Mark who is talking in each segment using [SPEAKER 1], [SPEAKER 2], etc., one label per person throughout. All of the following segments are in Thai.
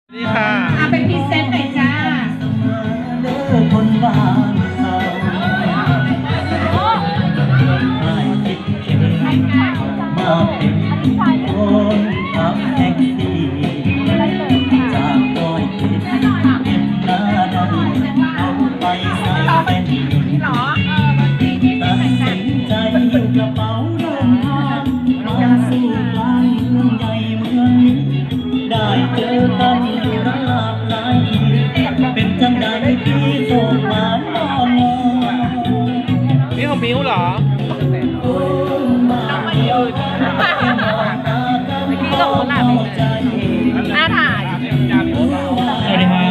[SPEAKER 1] นี่ค่ะ
[SPEAKER 2] เป็นพรีเซนต์หน่อยจ้า
[SPEAKER 3] คนบ้านเขาได้คิดเข็นมาเป็นคนขับแท็กซี่จากดอยเก็บเก็บหน้าดำเอาไปใส่เป็นตัดสินใจหิ้วกระเป๋าเดินทางมาสู่กลางเมืองใหญ่เมืองนี้ได้เจอกันอยู่หลากหลายเป็นจังใดที่ส่งมานอน
[SPEAKER 1] นี่ของมิ้วเหรอ
[SPEAKER 2] หน้าถ่าย
[SPEAKER 4] สวัสดีครับอยากจะให้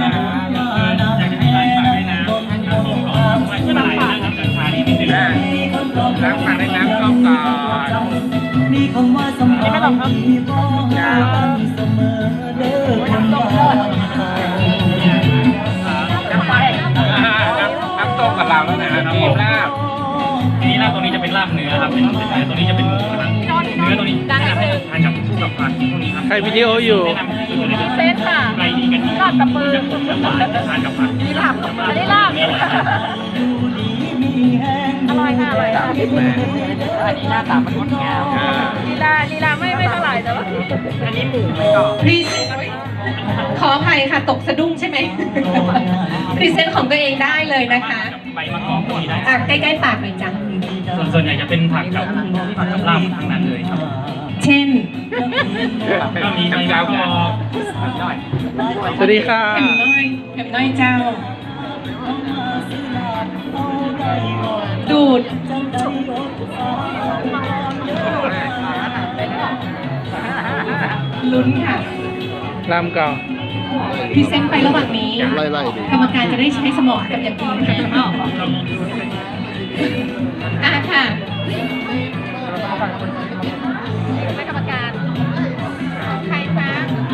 [SPEAKER 4] ร้านฝากด้วยนะน้ำส้มก่อนว่าจะมาไหนนะครับราคานี้นิดนึงล้างฝากด้วยน้ำส้มก่อน
[SPEAKER 3] มีคำว่าสำคัญที่บอกกันเสมอเด้อคนบ้าน
[SPEAKER 4] น้ำส้มกับเราแล้วนะน้ำส้มลาบทีนี้ลาบตัวนี้จะเป็นลาบเนื้อครับเป็นเนื้อตัวนี้จะเป็นหมูนะครับเนื้อตัวนี้ทานกับคู่กับผักพวกนี้ครับ
[SPEAKER 1] ใครวิดีโออยู่
[SPEAKER 4] แนะนำคือตัวนี้
[SPEAKER 2] เซตค่ะ
[SPEAKER 4] ไก่ดีกันนี่
[SPEAKER 2] ลาบกับมือ
[SPEAKER 4] หวานทานกับผัก
[SPEAKER 2] นี่ลาบอันนี้ลาบอร่อยค่ะอร่อยค่ะ
[SPEAKER 4] อันนี้หน้าตามันงดงาม
[SPEAKER 2] ลีลาไม่เท่าไหร่แต่ว่า
[SPEAKER 4] อันนี้หมูไม่กรอบ
[SPEAKER 2] พรีขออภัยค่ะตกสะดุ้งใช่ไหมพรีเซนต์ของตัวเองได้เลยนะคะ
[SPEAKER 4] ใบมะกอกพวกนี้ได้
[SPEAKER 2] ใกล้ๆปากหน่อยจ้ะ
[SPEAKER 4] ส่วนใหญ่จะเป็นผักกับลาบทั้งนั้นเลยครับ
[SPEAKER 2] เช่น
[SPEAKER 4] ก็มีใบมะกอก
[SPEAKER 1] สวัสดีค่ะ
[SPEAKER 2] แหมน้อยเจ้าดูดลุ้นค่ะ
[SPEAKER 1] ลำก่อน
[SPEAKER 2] พรีเซนต์ไประหว่างนี้กรรมการจะได้ใช้สมองกับอย่างอื่นแทนค่ะให้กรรมการใครคะ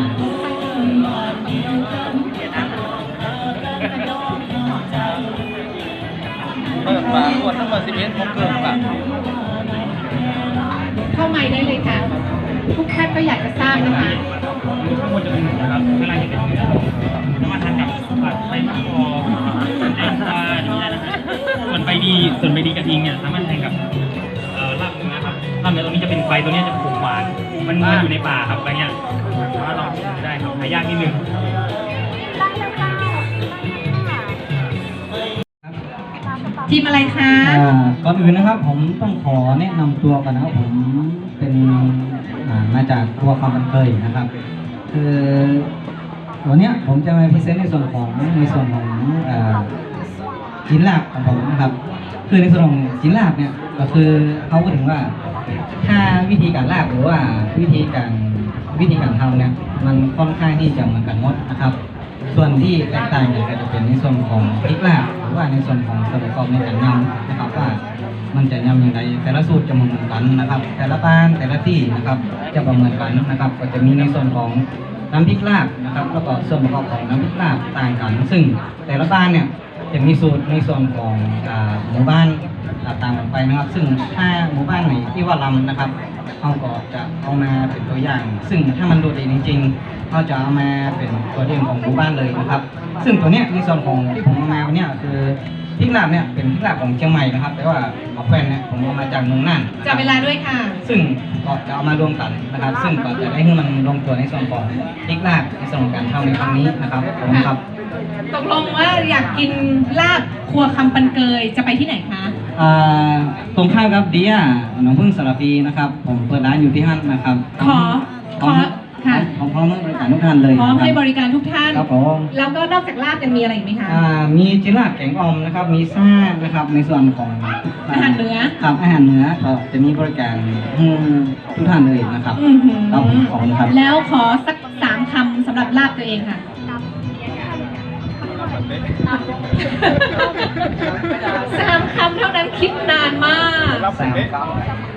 [SPEAKER 1] เปิดฝาขวดทั้งหมด11ผมเกินค่ะ
[SPEAKER 2] เข้าไมค์ได้เลยค่ะทุกท่านก็อยากจะทราบนะคะ
[SPEAKER 4] ทั้งหมดจะเป็นหมูนะครับเวลาจะเป็นเนื้อน้ำมันทานกับผัดใบมะกอกแตงกวาอย่างนี้นะส่วนใบดีกระทิงเนี่ยสามารถทานกับลาบเนื้อครับลาบเนื้อตรงนี้จะเป็นใบตัวนี้จะขมหวานมันอยู่ในป่าครับใบเนี้ยสามารถลองได้ครับหายากนิดนึง
[SPEAKER 2] ทีมอะไรคะ
[SPEAKER 3] ก่อนอื่นนะครับผมต้องขอแนะนำตัวก่อนนะครับผมเป็นมาจากครัวคำบันเตยนะครับคือวันนี้ผมจะมาพรีเซนต์ในส่วนของชิ้นลาบของผมนะครับคือในส่วนของชิ้นลาบเนี่ยก็คือเขาพูดถึงว่าถ้าวิธีการลาบหรือว่าวิธีการทำเนี่ยมันค่อนข้างที่จะเหมือนกันหมดนะครับส่วนที่แตกต่างกันก็จะเป็นในส่วนของพริกลาบหรือว่าในส่วนของส่วนประกอบในการยำนะครับว่ามันจะยำอย่างไรแต่ละสูตรจะเหมือนกันนะครับแต่ละบ้านแต่ละที่นะครับจะประเมินกันนะครับก็จะมีในส่วนของน้ำพริกลาบนะครับแล้วก็ส่วนประกอบของน้ำพริกลาบต่างกันซึ่งแต่ละบ้านเนี่ยจะมีสูตรในส่วนของหมู่บ้านต่างกันไปนะครับซึ่งถ้าหมู่บ้านไหนที่ว่าลำนะครับเขาก็จะเอามาเป็นตัวอย่างซึ่งถ้ามันโดดเด่นจริงๆเขาจะเอามาเป็นตัวเด่นของหมู่บ้านเลยนะครับซึ่งตัวเนี้ยในส่วนของที่ผมเอามาวันนี้คือพริกลาบเนี่ยเป็นพริกลาบของเชียงใหม่นะครับแต่ว่าเอาแฟนเนี่ยผมเอามาจากเมืองน่าน
[SPEAKER 2] จับเวลาด้วยค่ะ
[SPEAKER 3] ซึ่งก็จะเอามารวมกันนะครับซึ่งก็จะได้ให้มันลงตัวในส่วนของพริกลาบในส่วนของการทำในครั้งนี้นะครับผมครับ
[SPEAKER 2] ตกลงว่าอยากกินลาบครัวคำปันเกยจะไปที่ไหนคะ
[SPEAKER 3] ตรงข้ามกับเดียหนองพึ่งสระพีนะครับผมเปิดร้านอยู่ที่ห้างนะครับ
[SPEAKER 2] ขอค่ะ
[SPEAKER 3] พร้อมให้บริการทุกท่านเลย
[SPEAKER 2] พร้อมให้บริการทุกท่าน
[SPEAKER 3] ครับผม
[SPEAKER 2] แล้วก็นอกจากลาบยังมีอะไรอีกไหมคะ
[SPEAKER 3] มีจิราบแกงอ่อมนะครับมีซ่านะครับในส่วนของ
[SPEAKER 2] อาหารเหนือ
[SPEAKER 3] ครับอาหารเหนือก็จะมีบริการทุกท่านเลยนะครับ
[SPEAKER 2] ขอบคุณครับแล้วขอสัก3 คำสำหรับลาบตัวเองค่ะ3 คำเท่านั้นคิดนานมาก
[SPEAKER 3] 3 คำ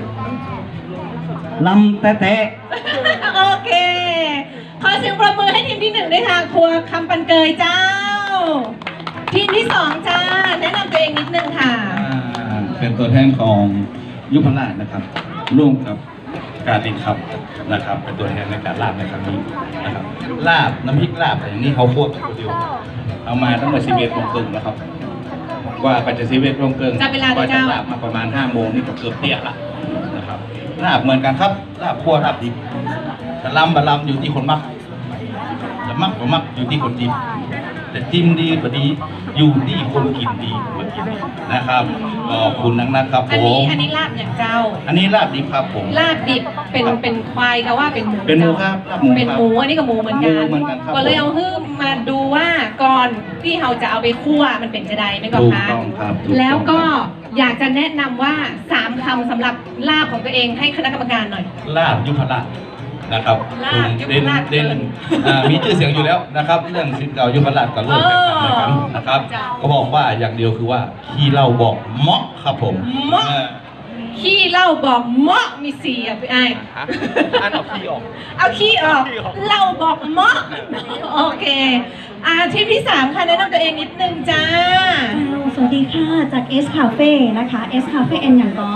[SPEAKER 3] ลำแตะ
[SPEAKER 2] โอเคขอเสียงปรบมือให้ทีมที่1ด้วยค่ะครัวคำปันเกยเจ้าทีมที่2จ้าแนะนำตัวเองนิดนึงค่ะ
[SPEAKER 5] เป็นตัวแทนของยุพราชนะครับร่วมกับการติดครับนะครับเป็นตัวแทนในการลาบในครั้งนี้นะครับลาบน้ำพริกลาบอะไรอย่างนี้เขาคั่วกันคนเดียวเอามาตั้งแต่11 โมงครึ่งนะครับว่าไปจะ11 โมงครึ่ง
[SPEAKER 2] จับเวลา
[SPEAKER 5] ก็
[SPEAKER 2] เจ้า
[SPEAKER 5] จะลาบมาประมาณ5 โมงนี่ก็เกือบเตี้ยละนะครับลาบเหมือนกันครับลาบคั่วลาบดิบแต่ลำบะลำอยู่ที่คนมักจะมักบ่มักอยู่ที่คนจิ้มแต่จิ้มดีกว่าดีอยู่ที่คนกินดีนะครับขอบคุณนะครับผ
[SPEAKER 2] อันนี้
[SPEAKER 5] ม
[SPEAKER 2] อันนี้ลาบอย่างเจ้า
[SPEAKER 5] อันนี้ลาบดิบครับผม
[SPEAKER 2] ลาบดิบเป็นควายก็ว่าเป็นหมู
[SPEAKER 5] เป็นหมูครับลาบหมูครับ
[SPEAKER 2] เป็นหมูอันนี้ก็หมูเหมือนกัน
[SPEAKER 5] หมูเหมือนกันครับ
[SPEAKER 2] ก็เลยเอาฮื้มมาดูว่าก่อนที่เราจะเอาไปคั่วมันเป็นจะใดไหมก่อน
[SPEAKER 5] ถูก
[SPEAKER 2] คะ
[SPEAKER 5] ต้องครับถูกต้อง
[SPEAKER 2] แล้วก็อยากจะแนะนำว่า3 คำสำหรับลาบของตัวเองให้คณะกรรมการหน่อย
[SPEAKER 5] ลาบยุพราชนะครับ
[SPEAKER 2] ลาบยุพ
[SPEAKER 5] เด่น
[SPEAKER 2] ราช
[SPEAKER 5] เด่น
[SPEAKER 2] เกิน
[SPEAKER 5] มีชื่อเสียงอยู่แล้วนะครับ เรื่องสิทธิ์เก่ายุพราชกับเลิกแข่งขันกันนะครับ
[SPEAKER 2] จ้ะ
[SPEAKER 5] ก็บอกว่าอย่างเดียวคือว่าขี้เหล้าบอกเหมาะครับผม
[SPEAKER 2] เหมาะ ขี้เหล้าบอกเหมาะมี4อ่ะพี่ไอ้
[SPEAKER 1] อันเอาขี้ออก
[SPEAKER 2] เอาขี้ออกเหล้าบอกเหมาะโอเคทีมที่ 3 ค่ะแนะนำตัวเองนิดนึงจ้า
[SPEAKER 6] สวัสดีค่ะ จาก S Cafe นะคะ S Cafe เอ็นอย่างก็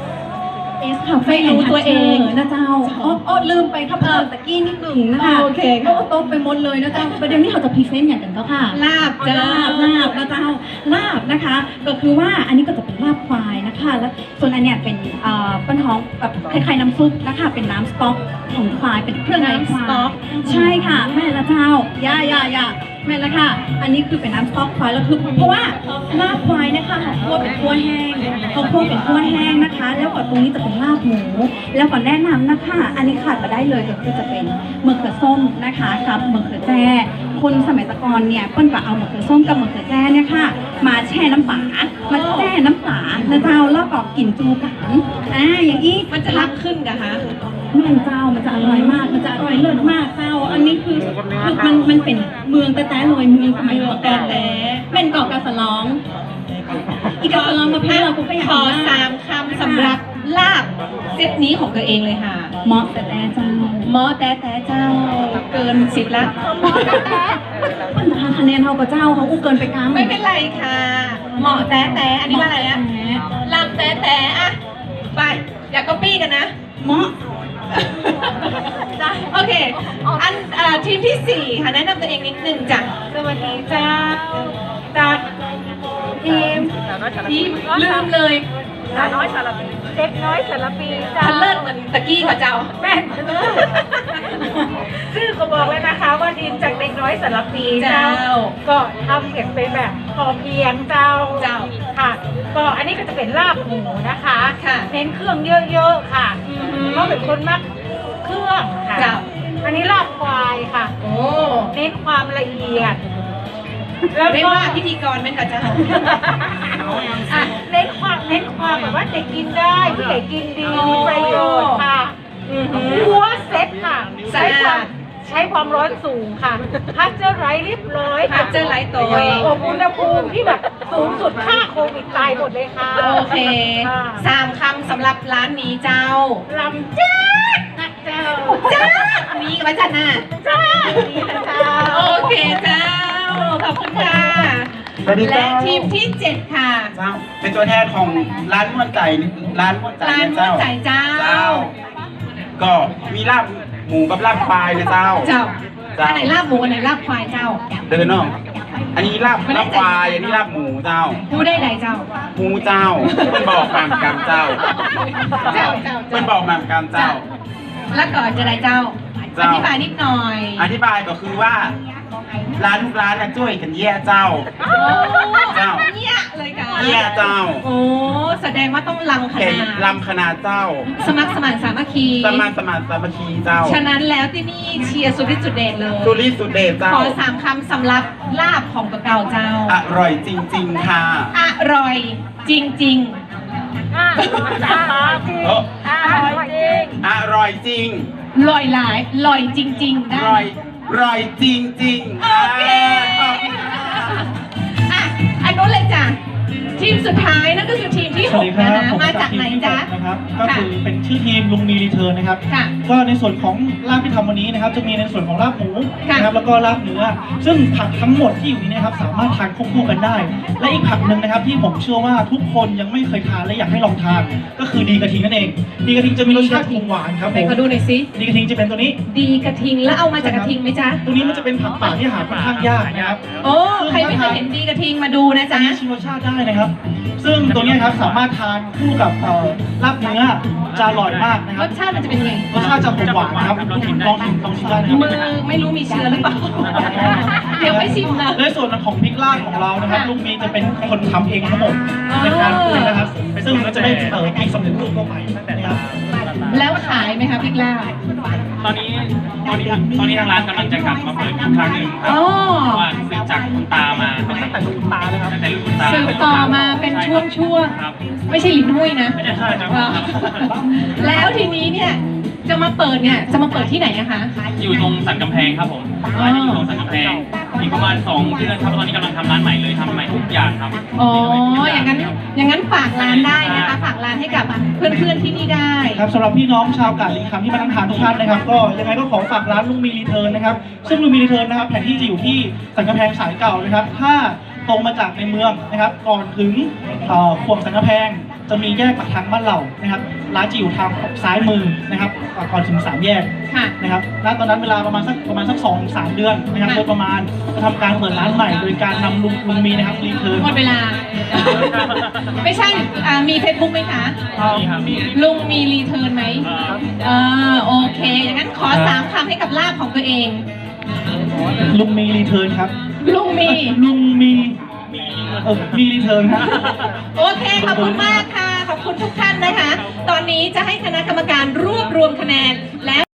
[SPEAKER 6] S Cafe
[SPEAKER 2] ไม่รู้ตัวเอง
[SPEAKER 6] นะเจ้าอ้อลืมไปครับตะกี้นิดหนึ่งนะคะ
[SPEAKER 2] โอเคค่ะ
[SPEAKER 6] โต๊ะไปหมดเลยนะเจ้าประเด็นนี้เราจะพรีเซนต์อย่างกันก็ค่ะ
[SPEAKER 2] ลาบจ้า
[SPEAKER 6] ลาบนะเจ้าลาบนะคะ ก็คือว่าอันนี้ก็จะเป็นลาบควายนะคะแล้วส่วนอันเนี้ยเป็นปั้นท้องแบบคล้ายๆน้ำซุปนะคะเป็นน้ำสต๊อกของควายเป็นเครื่องในควา
[SPEAKER 2] น้ำสต๊อย ก
[SPEAKER 6] ใช่ค่ะแม่ละเจ้าย่าแม่ละค่ะ อันนี้คือเป็นน้ำสต๊อกควายแล้วคือเพราะว่าลาบควายนะคะเขาคั่วเป็นคั่วแห้งเขาคั่วเป็นคั่วแห้งนะคะ แล้วก็ตรงนี้จะเป็นลาบหมู แล้วก็แนะนำนะคะ อันนี้ขาดมาได้เลยก็คือจะเป็นมะเขือส้มนะคะกับมะเขือแจ้คนสมัยตะกอนเนี่ยเปิ้ลก็เอามะเขือส้มกับมะเขือแจ้เนี่ยค่ะ มาแช่น้ำปลามาแช่น้ำปลานะเจ้าแล้วก็กลิ่นจูกันอย่างนี้
[SPEAKER 2] มันจะรักขึ้นกันคะ
[SPEAKER 6] แม่เจ้ามันจะอร่อยมาก มันจะอร่อยเลิศมากเจ้า อันนี้คือมันเป็นเมืองแต่ลอยเมืองสมัยก่อนแต่เป็นเกาะกาสะล้อง อีกกาสะล้องมาพี่เราก็อยาก
[SPEAKER 2] ขอ3 คำสำหรับลาบเซตนี้ของตัวเองเลยค่ะ
[SPEAKER 6] เหมาะแต่เจ้า
[SPEAKER 2] หมอแต่เจ้าเกิน10ละ
[SPEAKER 6] มันทานคะแนนเท่ากับเจ้าเขาอู้เกินไปกลาง
[SPEAKER 2] ไม่เป็นไรค่ะหมอแต่อันนี้ว่าอะไรนะลำแต่อะไปอย่าก๊อปปี้กันนะ
[SPEAKER 6] เหมาะ
[SPEAKER 2] โอเคทีมที่ 4 ค่ะแนะนำตัวเองนิดนึงจ้ะ
[SPEAKER 7] สวัสดีเจ้าจากทีม
[SPEAKER 2] ลืมเลย
[SPEAKER 7] สาวน้อยสารปีเด็กน้อยสารปีเจ้า
[SPEAKER 2] ทันเลิศเหมือนตะกี้ค่ะเจ้า
[SPEAKER 7] แม่นชื่อก็บอกเลยนะคะว่าทีมจากเด็กน้อยสารปีเจ้า ก็ทำเก็บเป็นแบบพอเพียงเจ้าค่ะ ก็อันนี้ก็จะเป็นลาบหมูนะคะ
[SPEAKER 2] ค่ะ
[SPEAKER 7] เน้นเครื่องเยอะๆค่ะเพราะเป็นคนมักเครื่องค่ะ
[SPEAKER 2] เจ้า
[SPEAKER 7] อันนี้ลาบควายค่ะ
[SPEAKER 2] โอ้
[SPEAKER 7] เน้นความละเอียด
[SPEAKER 2] เรียกว่าพิธีกรไหมคะเจ้า
[SPEAKER 7] อ่ะเน้นความแบบว่าเด็กกินได้ผู้ใหญ่กินดีมีประโยชน์ค่ะหัวเซ็ตค่ะ
[SPEAKER 2] สะอาด
[SPEAKER 7] ใช้ความร้อนสูงค่ะพัชเจอร์ไรเรียบร้อย
[SPEAKER 2] พัชเจอร์ไลท์ตัว
[SPEAKER 7] อบอุณหภูมิที่แบบสูงสุดค่าโควิดตายหมดเลยค่ะ
[SPEAKER 2] โอเค3 คำสำหรับร้านนี้เจ้า
[SPEAKER 7] ลำจ้านะเจ้า
[SPEAKER 2] จ้ามีไว้จัดหน้า
[SPEAKER 7] จ้าดีนะเจ้า
[SPEAKER 2] โอเคเจ้า ขอบคุณค่ะ
[SPEAKER 8] สวัสดีครั
[SPEAKER 2] และ
[SPEAKER 8] บ
[SPEAKER 2] ทีมที่ 7 ค่ะ
[SPEAKER 8] เจ้าเป็นตัวแทนของร้านม่วนใจร้านม่วนใจ
[SPEAKER 2] ร้าน
[SPEAKER 8] เนี่ย
[SPEAKER 2] ม่ว
[SPEAKER 8] เจ้าน
[SPEAKER 2] ใจเจ้า
[SPEAKER 8] เจ้า ก็มีลาบหมูกับลาบควายเลยเจ้า
[SPEAKER 2] เจ้า
[SPEAKER 8] เจ้า
[SPEAKER 2] อันไหนลาบหมูอันไหนลาบควายเจ้า
[SPEAKER 8] เดินน้องอันนี้ลาบ
[SPEAKER 2] ไม่ได้
[SPEAKER 8] ลาบควายอันนี้ลาบหมูเจ้า
[SPEAKER 2] ผู้ได้ไหนเจ้า
[SPEAKER 8] หมูเจ้ามันบอกมามกันเจ้า
[SPEAKER 2] เจ้า
[SPEAKER 8] มันบอกมามกันเจ้า
[SPEAKER 2] แล้วก่อนจะได้เจ้า อ
[SPEAKER 8] เจ้า
[SPEAKER 2] ธิบายนิดหน่อย
[SPEAKER 8] อธิบายก็คือว่า ร้านทุกร้านน่ะช่วยกันแย่เจ้า เจ้า
[SPEAKER 2] เนี่ยเลยค่ะ
[SPEAKER 8] แย่เจ้า
[SPEAKER 2] โอ้แสดงว่าต้องลังข
[SPEAKER 8] เห็น
[SPEAKER 2] นาด
[SPEAKER 8] ลำขนาดเจ้า
[SPEAKER 2] สมัครสมานสามัคคี
[SPEAKER 8] สมานสามัคคีเจ้า
[SPEAKER 2] ฉะนั้นแล้วที่นี่เชียร์สุดที่สุดเด็ดเลย
[SPEAKER 8] สุริสุดเดชเจ้า
[SPEAKER 2] ขอ3 คำสำหรับลาบของตัวเก่าเจ้า
[SPEAKER 8] อร่อยจริง ๆ ค่ะ
[SPEAKER 2] อร่อยจริง
[SPEAKER 7] อ่ะจริง
[SPEAKER 8] โอ้
[SPEAKER 7] ร่อยจริง
[SPEAKER 8] อร่อยจริง
[SPEAKER 2] ๆลอยหลายลอยจริง ๆ ได้
[SPEAKER 8] ร่อยจริง
[SPEAKER 2] โอเค
[SPEAKER 8] ขอบคุณค่ะ
[SPEAKER 2] อ่ะอันนู้นเลยจ้ะทีมสุดท้ายนั่นก็คือทีมที่
[SPEAKER 9] สวัสดีค
[SPEAKER 2] 6
[SPEAKER 9] รั
[SPEAKER 2] นะ
[SPEAKER 9] บ
[SPEAKER 2] คะ
[SPEAKER 9] ผม
[SPEAKER 2] มาจากไหนจ๊ะ
[SPEAKER 9] นะครับก็คือเป็นชื่อทีมลุงมีรีเทิร์นนะครับ
[SPEAKER 2] ค่ะ
[SPEAKER 9] ก็ในส่วนของลาบที่ทำวันนี้นะครับจะมีในส่วนของลาบหมู
[SPEAKER 2] ค่ะ
[SPEAKER 9] นะครับแล้วก็ลาบเนื้อซึ่งผักทั้งหมดที่อยู่นี้นะครับสามารถทานควบคู่กันได้ และอีกผักหนึ่งนะครับที่ผมเชื่อว่าทุกคนยังไม่เคยทานและอยากให้ลองทาน ก็คือดีกระทิงนั่นเอง ดีกระทิงจะมีรสชาติหวานครับ
[SPEAKER 2] ไหน
[SPEAKER 9] ผม
[SPEAKER 2] ขอดูหน่อยสิ
[SPEAKER 9] ดีกระทิงจะเป็นตัวนี้
[SPEAKER 2] ดีกระทิงแล้วเอามาจากกระทิงไหมจ๊ะ
[SPEAKER 9] ตัวนี้มันจะเป็นผักป่าที่หาค่อนข้างยากนะครับ
[SPEAKER 2] โอ้ใครไม่เคยเห็นดีกระทิงมาดูนะจ๊ะ
[SPEAKER 9] ชิมรสชาติได้นะครับ ซึ่งตัวนี้ครับสามารถทานคู่กับลาบเนื้อจะอร่อยมากนะค
[SPEAKER 2] ร
[SPEAKER 9] รับ
[SPEAKER 2] สชาติมันจะเป็นยังไง
[SPEAKER 9] รสชาติจะหวานนะครับลองชิมได้นะครับ
[SPEAKER 2] มือไม่รู้มีเชื้อหรือเปล่า เดี๋ยวไม่ชิมนะ
[SPEAKER 9] ในส่วนของพริกลาดของเรานะครับ
[SPEAKER 2] ค่ะ
[SPEAKER 9] ลุงมีจะเป็นคนทำเองทั้งหมดในการปรุงนะครับ ซึ่งก็จะได้พริกสำเร็จรูปเข้าไปนะครับ
[SPEAKER 2] แล้วขายไหมคะพริกลาบ
[SPEAKER 4] ตอนนี้ทางร้านกำลังจะกลับมาเปิดอีกครั้งหนึ่งครั
[SPEAKER 2] อ๋
[SPEAKER 4] บ
[SPEAKER 2] อ
[SPEAKER 4] เพราะว่าสืบจากคุณตามาตั้งแต่รุ่นคุณตาเลยครับตั้งแต่รุ่นคุณตา
[SPEAKER 2] สืบต่อมาเป็นช่วง
[SPEAKER 4] ครับ
[SPEAKER 2] ๆ ไม่ใช่ลิ้นหุ้ยนะ
[SPEAKER 4] ไม่ใช่ครับ
[SPEAKER 2] อ๋อแล้วทีนี้เนี่ยจะมาเปิดที่ไหนอะคะ
[SPEAKER 4] อยู่ตรงสันกำแพงครับผมร้านจะอยู่ตรงสันกำแพงอีกประมาณ2 เดือนครับตอนนี้กำลังทำร้านใหม่เลยทำใหม่ทุกอย่างครับ
[SPEAKER 2] อ๋ออย่างนั้นฝากร้านได้นะคะฝากร้านให้กับเพื่อนๆที่นี่ได้
[SPEAKER 9] ครับสำหรับพี่น้องชาวกาดลิงคำที่มานั่งทานทุกท่านนะครับก็ยังไงก็ขอฝากร้านลุงมีรีเทิร์นนะครับซึ่งลุงมีรีเทิร์นนะครับแผนที่จะอยู่ที่สันกำแพงสายเก่านะครับถ้าตรงมาจากในเมืองนะครับก่อนถึงขวงสันกำแพงจะมีแยกปากทางบ้านเหล่านะครับร้านจะอยู่ทางซ้ายมือนะครับก่อนถึง3 แยก
[SPEAKER 2] ค่ะ
[SPEAKER 9] นะครับณตอนนั้นเวลาประมาณสัก2-3 เดือนนะครับโดยประมาณจะทำการเปิดร้านใหม่โดยการนำลุงมีนะครับรีเทิร์น
[SPEAKER 2] หมดเวลา ไม่ใช่มีเฟซบุ๊กไหมคะ
[SPEAKER 4] มีครับมี
[SPEAKER 2] ลุงมีรีเทิร์นไหมโอเคอย่างนั้นขอ3 คำให้กับลาบของตัวเอง
[SPEAKER 9] ลุงมีรีเทิร์นครับ
[SPEAKER 2] ลุงมี
[SPEAKER 9] ลุงมีมีรีเทิร์นครับ
[SPEAKER 2] โอเค ขอบคุณมากค่ะ ขอบคุณทุกท่านนะคะ ตอนนี้จะให้คณะกรรมการรวบรวมคะแนนและ